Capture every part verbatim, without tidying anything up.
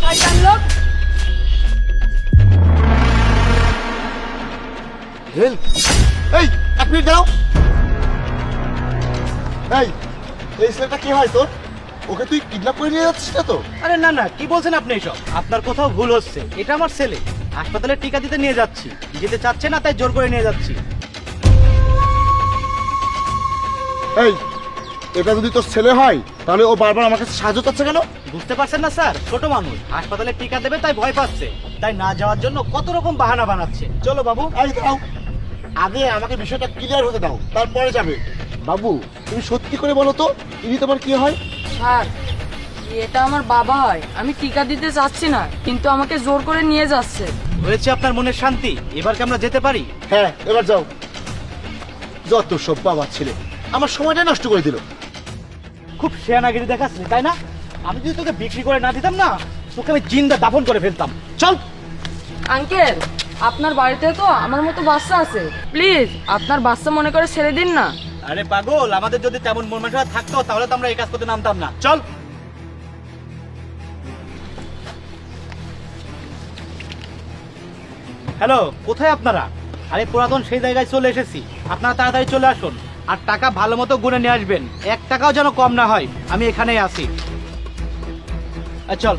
শয়তান লোক। হেল এই এক মিনিট দাও। এই এই ছেলেটা কি হয় তোর? ওকে তুই কিডন্যাপ করে নিয়ে যাচ্ছিস না তো? আরে না না, কি বলছেন আপনি এসব? আপনার কোথাও ভুল হচ্ছে। এটা আমার ছেলে, হাসপাতালে টিকা দিতে নিয়ে যাচ্ছি। যেতে চাচ্ছে না তাই জোর করে নিয়ে যাচ্ছি। এই এটা যদি তোর ছেলে হয় তাহলে ও বারবার আমার কাছে সাহায্য চাচ্ছে কেন? বুঝতে পারছেন না স্যার, ছোট মানুষ হাসপাতালে টিকা দেবে তাই ভয় পাচ্ছে, তাই না যাওয়ার জন্য কত রকম বাহানা বানাচ্ছে। চলো বাবু। এই দাও, আগে আমাকে বিষয়টা ক্লিয়ার হতে দাও, তারপরে যাবে। বাবু তুমি সত্যি করে বলো তো, ইনি তোমার কি হয়? স্যার, এটা আমার বাবা হয়। আমি টিকা দিতে চাচ্ছি না, কিন্তু আমাকে জোর করে নিয়ে যাচ্ছে। হয়েছে আপনার মনের শান্তি, এবার কি আমরা যেতে পারি? হ্যাঁ এবার যাও। যত সব বাবা ছেলে আমার সময়টা নষ্ট করে দিল। খুব শেয়ানাগিরি দেখাচ্ছিস তাই না? আমি যদি তোকে বিক্রি করে না দিতাম না, তোকে আমি জিন্দা দাফন করে ফেলতাম। চল। আঙ্কেল, আপনার বাড়িতে তো আমার মতো বাচ্চা আছে, প্লিজ আপনার বাচ্চা মনে করে ছেড়ে দিন না। আরে পাগল, আমাদের যদি তেমন মন মানসিকতা থাকতো তাহলে তো আমরা এই কাজ করতে নামতাম না। চল। হ্যালো, কোথায় আপনারা? আরে পুরাতন সেই জায়গায় চলে এসেছি, আপনারা তাড়াতাড়ি চলে আসুন। আর টাকা ভালো মতো গুনে নিয়ে আসবেন, এক টাকাও যেন কম না হয়। আমি এখানেই আছি। আর চল।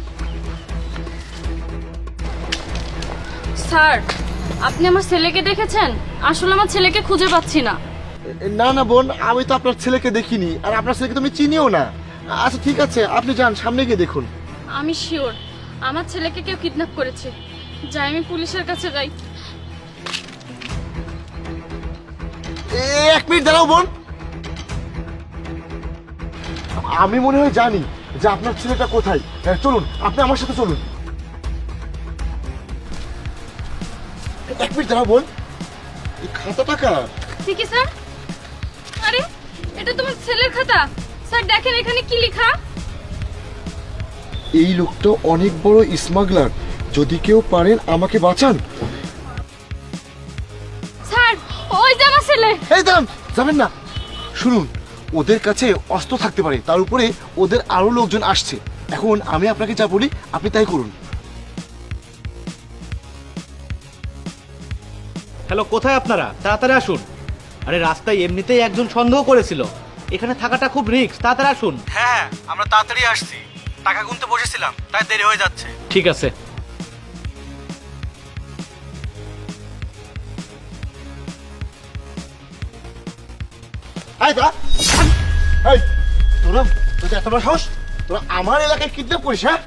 স্যার, আপনি আমার ছেলেকে দেখেছেন? আসলে আমার ছেলেকে খুঁজে পাচ্ছি না। না না বোন, আমি তো আপনার ছেলেকে দেখিনি, আর আপনার ছেলেকে তুমি চিনিও না। আচ্ছা ঠিক আছে, আপনি যান, সামনে গিয়ে দেখুন। আমি শিওর আমার ছেলেকে কেউ কিডন্যাপ করেছে। যাই, আমি পুলিশের কাছে যাই। এ, এক মিনিট দাঁড়াও বোন। আমি মনে হয় জানি যে আপনার ছেলেটা কোথায়। হ্যাঁ, চলুন আপনি আমার সাথে চলুন। এক মিনিট দাঁড়াও বোন, এই খাতা টাকা। ঠিকই স্যার। আরে, এটা তোমার ছেলের খাতা। স্যার দেখেন এখানে কি লেখা। এই লোকটা অনেক বড় স্মাগলার, যদি কেউ পারেন আমাকে বাঁচান। স্যার, ওই যে আমার ছেলে। এই দাঁড়ান, যাবেন না। শুনুন, ওদের কাছে অস্ত্র থাকতে পারে, তার উপরে ওদের আরো লোকজন আসছে। এখন আমি আপনাকে যা বলি আপনি তাই করুন। হ্যালো, কোথায় আপনারা? তাড়াতাড়ি আসুন। আরে রাস্তায় এমনিতেই একজন সন্দেহ করেছিল, এখানে থাকাটা খুব রিস্ক। তাড়াতাড়ি আসুন। হ্যাঁ, আমরা তাড়াতাড়ি আসছি। টাকা গুনতে বসেছিলাম, তাই দেরি হয়ে যাচ্ছে। ঠিক আছে। এই দাঁড়া, এই তোরা, তোদের এত বড় সাহস, তোরা আমার এলাকায় কিডন্যাপ করিস? হ্যাঁ,